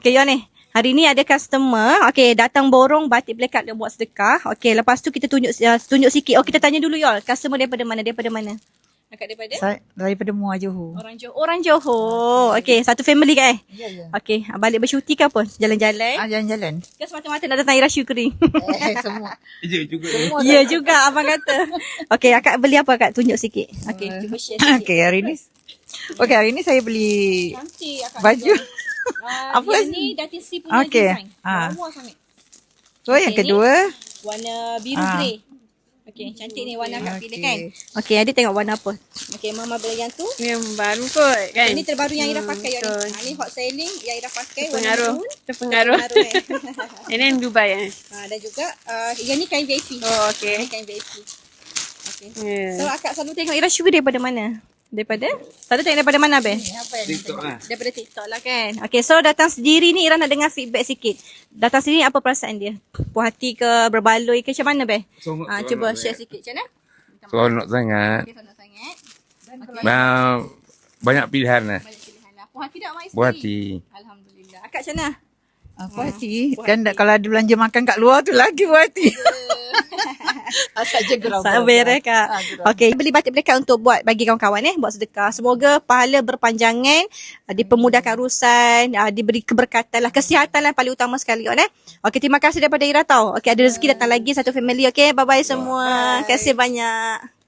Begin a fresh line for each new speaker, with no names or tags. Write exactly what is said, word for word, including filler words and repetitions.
Okay, Yon ni. Hari ni ada customer, okay, datang borong batik blackout dia buat sedekah. Okay, lepas tu kita tunjuk uh, tunjuk sikit. Oh, kita tanya dulu, Yol. Customer daripada mana? Daripada mana? Akak daripada?
Saya daripada Muar Johor.
Orang Johor. Orang Johor. Okay, satu family kan?
Ya, ya.
Okay, balik bersyuti ke apa? Jalan-jalan?
Ah, jalan-jalan.
Ke semata-mata nak datang Ira Syukri?
Eh, semua.
Ya juga.
Ya juga, abang kata. Okay, akak beli apa akak? Tunjuk sikit. Okay, cuba share sikit.
Okey, hari ni. Okey, hari ni saya beli
Cantik akak.
baju.
Uh,
Apa?
yang ni Datin C punya
Okey.
design.
Ah.
Lawa sangat.
So, yang
Okey,
kedua.
Warna biru
Ah.
grey. Okey, cantik ni warna akak pilih
Okey.
kan. Okey, adik tengok warna apa. Okey, mama beli yang tu.
Yang baru kot kan.
Ini terbaru yang Ira
Hmm,
pakai yang
betul.
ni. Ha, ni hot selling yang Ira pakai warna
Terpengaruh.
maroon.
Terpengaruh.
Terpengaruh, eh.
And then Dubai eh.
Ha, dan juga uh, yang ni kain V I P.
Oh, okay.
Ini kain V I P. Okey.
Yeah.
So akak selalu tengok Ira Syukri daripada mana? Daripada? Selalu tengok daripada mana, Be?
TikTok lah.
Daripada TikTok lah kan. Okay, so datang sendiri ni Ira nak dengar feedback sikit. Datang sendiri apa perasaan dia? Puas hati ke, berbaloi ke, macam mana, Be?
Seronok,
Ha,
seronok
cuba
sangat.
share sikit, macam mana?
Seronok sangat.
Okay, seronok sangat. Okay.
Nah, banyak pilihan lah.
Banyak pilihan lah. Puas hati tak mak isteri?
Puas hati.
Alhamdulillah. Akak macam mana?
Ah, puas hati. Dan kalau ada belanja makan kat luar tu lagi puas hati. Asal je gerau.
Sabar eh, Kak.
Ah, gerau.
Okay, beli batik blackout untuk buat bagi kawan-kawan eh, buat sedekah. Semoga pahala berpanjangan, uh, dipermudahkan urusan, uh, diberi keberkatan lah, kesihatan lah paling utama sekali kan eh. Okay, terima kasih daripada Ira tau. Okay, ada rezeki datang lagi satu family. Okay, bye-bye semua. Terima kasih banyak.